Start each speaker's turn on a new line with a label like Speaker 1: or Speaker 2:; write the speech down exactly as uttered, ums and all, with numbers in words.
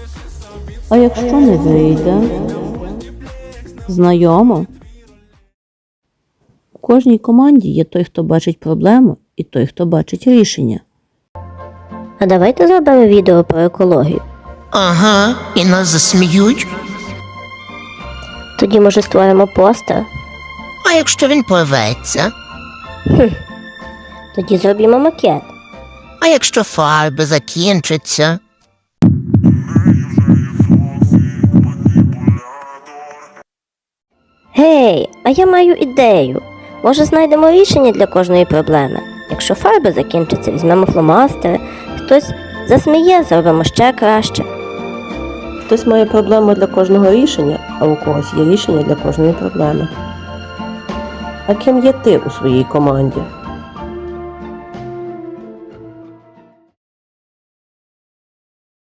Speaker 1: А якщо не вийде? Знайомо? У кожній команді є той, хто бачить проблему, і той, хто бачить рішення.
Speaker 2: А давайте зробимо відео про екологію.
Speaker 3: Ага, і нас засміють.
Speaker 2: Тоді, може, створимо постер?
Speaker 3: А якщо він порветься?
Speaker 2: Тоді зробимо макет.
Speaker 3: А якщо фарби закінчаться?
Speaker 2: Гей, а я маю ідею. Може, знайдемо рішення для кожної проблеми? Якщо фарби закінчаться, візьмемо фломастери, хтось засміє, зробимо ще краще.
Speaker 1: Хтось має проблему для кожного рішення, а у когось є рішення для кожної проблеми. А ким є ти у своїй команді?